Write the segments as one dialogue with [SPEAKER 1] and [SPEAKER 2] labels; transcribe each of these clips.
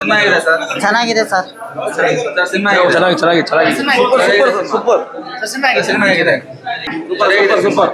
[SPEAKER 1] ಚೆನ್ನಾಗಿದೆ ಸರ್.
[SPEAKER 2] ಚೆನ್ನಾಗಿದೆ sir.
[SPEAKER 1] Sir cinema ಚೆನ್ನಾಗಿದೆ. ಸೂಪರ್. ಸಿನಿಮಾ ಹೇಗಿದೆ? ಸೂಪರ್.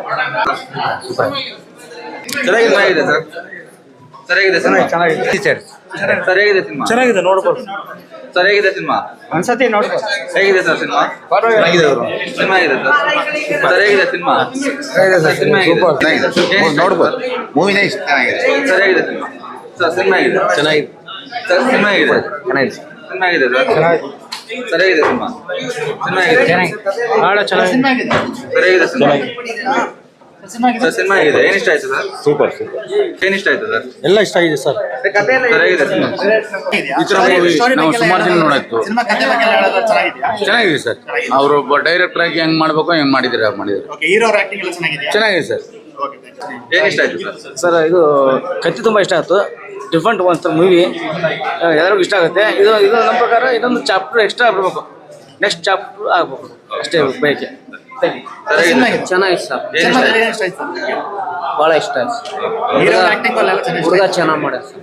[SPEAKER 1] ಚೆನ್ನಾಗಿದೆ ಸರ್. ಸರಿಯಾಗಿದೆ ಸಿನಿಮಾ. ಸರಿಯಾಗಿದೆ ಸಿನಿಮಾ.
[SPEAKER 3] ಚೆನ್ನಾಗಿದೆ ನೋಡ್ಬೋದು.
[SPEAKER 1] ಸರಿಯಾಗಿದೆ ಸಿನಿಮಾ.
[SPEAKER 3] ಒಂದ್ಸತಿ ನೋಡ್ಬೋದು.
[SPEAKER 1] ಹೇಗಿದೆ ಸರ್ ಸಿನಿಮಾ?
[SPEAKER 3] ಚೆನ್ನಾಗಿದೆ
[SPEAKER 1] ಸಿನಿಮಾ ಆಗಿದೆ ಸರ್. ಸರಿಯಾಗಿದೆ ಸಿನಿಮಾ. ಸಿನಿಮಾ ಆಗಿದೆ.
[SPEAKER 4] ನೋಡ್ಬೋದು. ಮೂವಿ ನೈಸ್, ಚೆನ್ನಾಗಿದೆ.
[SPEAKER 1] ಸರಿಯಾಗಿದೆ ಸಿನಿಮಾ. ಸರ್ ಸಿನಿಮಾ ಆಗಿದೆ.
[SPEAKER 3] ಚೆನ್ನಾಗಿದೆ.
[SPEAKER 1] ಸರ್ ಸಿನಿಮಾ ಆಗಿದೆ.
[SPEAKER 3] ಚೆನ್ನಾಗಿದೆ.
[SPEAKER 1] ಸಿನಿಮಾ ಆಗಿದೆ ಸರ್. ಸರಿಯಾಗಿದೆ ಸಿನಿಮಾ. ಸಿನಿಮಾ ಆಗಿದೆ.
[SPEAKER 3] ಭಾಳ ಚೆನ್ನಾಗಿದೆ.
[SPEAKER 1] ಸರಿಯಾಗಿದೆ ಸಿನಿಮಾ. ಸರ್ ಸಿನಿಮಾ ಆಗಿದೆ. ಏನ್ ಇಷ್ಟ ಆಯ್ತು ಸರ್?
[SPEAKER 4] ಸೂಪರ್.
[SPEAKER 1] ಏನ್ ಇಷ್ಟ ಆಯ್ತು ಸರ್?
[SPEAKER 3] ಎಲ್ಲ ಇಷ್ಟ ಆಗಿದೆ ಸರ್.
[SPEAKER 1] ಸರಿಯಾಗಿದೆ ಸಿನಿಮಾ.
[SPEAKER 4] ಈ ಥರ ಮೂವಿ ನಾವು ಸುಮಾರು ಜನ ನೋಡಾಯ್ತು. ಚೆನ್ನಾಗಿದೆ ಸರ್. ಅವರು ಡೈರೆಕ್ಟರ್ ಆಗಿ ಹೆಂಗ್ ಮಾಡ್ಬೇಕು ಹೆಂಗ್ ಮಾಡಿದ್ರೆ ಚೆನ್ನಾಗಿದೆ ಸರ್.
[SPEAKER 1] ಏನ್ ಇಷ್ಟ ಆಯ್ತು ಸರ್?
[SPEAKER 5] ಸರ್ ಇದು ಕತ್ತಿ ತುಂಬ ಇಷ್ಟ ಆಯ್ತು. ಡಿಫ್ರೆಂಟ್ ಒಂದು ಮೂವಿ, ಎಲ್ಲರಿಗೂ ಇಷ್ಟ ಆಗುತ್ತೆ. ಇದು ನಮ್ಮ ಪ್ರಕಾರ ಇದೊಂದು ಚಾಪ್ಟರ್ ಎಕ್ಸ್ಟ್ರಾ ಬರಬೇಕು, ನೆಕ್ಸ್ಟ್ ಚಾಪ್ಟರ್ ಆಗ್ಬೇಕು ಅಷ್ಟೇ ಬಯಕೆ. ಚೆನ್ನಾಗಿ ಸರ್,
[SPEAKER 1] ಏನ್ ಇಷ್ಟ ಆಯ್ತು?
[SPEAKER 5] ಭಾಳ ಇಷ್ಟ ಆಯ್ತು. ಹುಡುಗ ಚೆನ್ನಾಗಿ ಮಾಡ್ಯಾರ ಸರ್.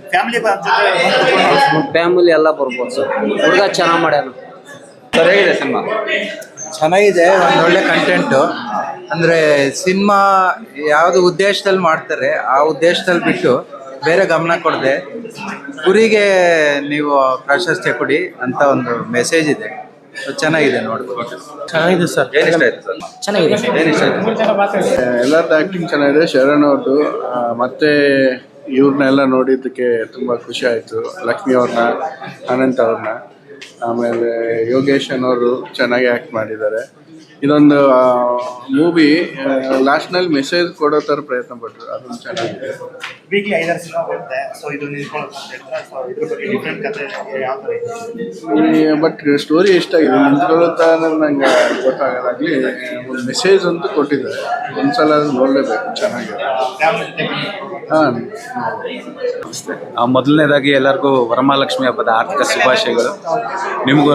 [SPEAKER 5] ಫ್ಯಾಮಿಲಿ ಎಲ್ಲ ಬರ್ಬೋದು ಸರ್. ಹುಡುಗ ಚೆನ್ನಾಗಿ ಮಾಡ್ಯಾನ.
[SPEAKER 1] ಸರಿಯಾಗಿದೆ ಸಿನಿಮಾ.
[SPEAKER 6] ಚೆನ್ನಾಗಿದೆ. ಒಂದು ಒಳ್ಳೆ ಕಂಟೆಂಟು. ಅಂದರೆ ಸಿನಿಮಾ ಯಾವುದು ಉದ್ದೇಶದಲ್ಲಿ ಮಾಡ್ತಾರೆ ಆ ಉದ್ದೇಶದಲ್ಲಿ ಬಿಟ್ಟು ಬೇರೆ ಗಮನ ಕೊಡದೆ ಗುರಿಗೆ ನೀವು ಪ್ರಾಶಸ್ತ್ಯ ಕೊಡಿ ಅಂತ ಒಂದು ಮೆಸೇಜ್ ಇದೆ. ಚೆನ್ನಾಗಿದೆ ನೋಡ್ಬೋದು.
[SPEAKER 3] ಚೆನ್ನಾಗಿದೆ ಸರ್.
[SPEAKER 1] ಏನ್ ಇಷ್ಟ ಆಯ್ತು ಸರ್?
[SPEAKER 5] ಚೆನ್ನಾಗಿದೆ.
[SPEAKER 1] ಏನ್ ಇಷ್ಟ ಆಯ್ತು?
[SPEAKER 7] ಎಲ್ಲರದ್ದು ಆ್ಯಕ್ಟಿಂಗ್ ಚೆನ್ನಾಗಿದೆ. ಶರಣ್ ಅವ್ರದ್ದು ಮತ್ತೆ ಇವ್ರನ್ನೆಲ್ಲ ನೋಡಿದ್ದಕ್ಕೆ ತುಂಬ ಖುಷಿ ಆಯಿತು. ಲಕ್ಷ್ಮಿ ಅವ್ರನ್ನ, ಅನಂತ್ ಅವ್ರನ್ನ, ಆಮೇಲೆ ಯೋಗೇಶ್ ಅನ್ನೋರು ಚೆನ್ನಾಗಿ ಆ್ಯಕ್ಟ್ ಮಾಡಿದ್ದಾರೆ. ಇದೊಂದು ಮೂವಿ ಲಾಸ್ಟ್ನಲ್ಲಿ ಮೆಸೇಜ್ ಕೊಡೋ ಥರ ಪ್ರಯತ್ನ ಪಟ್ಟರು. ಅದೊಂದು ಚೆನ್ನಾಗಿದೆ.
[SPEAKER 3] ವೀಕ್ಲಿ 5 ಸಿನಿಮಾ ಬರುತ್ತೆ. ಸೊ ಇದು ಇದ್ರ ಬಗ್ಗೆ ಡಿಫ್ರೆಂಟ್ ಕಥೆ ಯಾವ ಥರ ಇದೆ?
[SPEAKER 7] ಬಟ್ ಸ್ಟೋರಿ ಎಷ್ಟಾಗಿದೆ ನಿಂತ್ಕೊಳ್ಳುತ್ತಾ ಅನ್ನೋದು ನಂಗೆ ಗೊತ್ತಾಗಲಾಗಲಿ. ಒಂದು ಮೆಸೇಜ್ ಅಂತೂ ಕೊಟ್ಟಿದ್ದಾರೆ. ಒಂದ್ಸಲ ಅದು ನೋಡಲೇಬೇಕು. ಚೆನ್ನಾಗಿದೆ. ಹಾಂ.
[SPEAKER 8] ಮೊದಲನೇದಾಗಿ ಎಲ್ಲರಿಗೂ ವರಮಹಾಲಕ್ಷ್ಮಿ ಹಬ್ಬದ ಆರ್ಥಿಕ ಶುಭಾಶಯಗಳು. ನಿಮಗೂ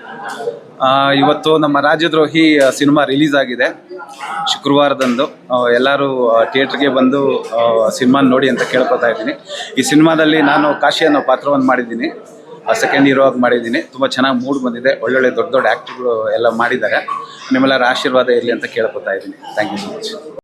[SPEAKER 8] ಇವತ್ತು ನಮ್ಮ ರಾಜದ್ರೋಹಿ ಸಿನಿಮಾ ರಿಲೀಸ್ ಆಗಿದೆ ಶುಕ್ರವಾರದಂದು. ಎಲ್ಲರೂ ಥಿಯೇಟ್ರಿಗೆ ಬಂದು ಸಿನಿಮಾ ನೋಡಿ ಅಂತ ಕೇಳ್ಕೊತಾ ಇದ್ದೀನಿ. ಈ ಸಿನಿಮಾದಲ್ಲಿ ನಾನು ಕಾಶಿ ಅನ್ನೋ ಪಾತ್ರವನ್ನು ಮಾಡಿದ್ದೀನಿ. ಸೆಕೆಂಡ್ ಹೀರೋ ಆಗಿ ಮಾಡಿದ್ದೀನಿ. ತುಂಬ ಚೆನ್ನಾಗಿ ಮೂಡ್ ಬಂದಿದೆ. ಒಳ್ಳೊಳ್ಳೆ ದೊಡ್ಡ ಆ್ಯಕ್ಟರ್ಗಳು ಎಲ್ಲ ಮಾಡಿದ್ದಾರೆ. ನಿಮ್ಮೆಲ್ಲರ ಆಶೀರ್ವಾದ ಇರಲಿ ಅಂತ ಕೇಳ್ಕೊತಾ ಇದ್ದೀನಿ. Thank you so much.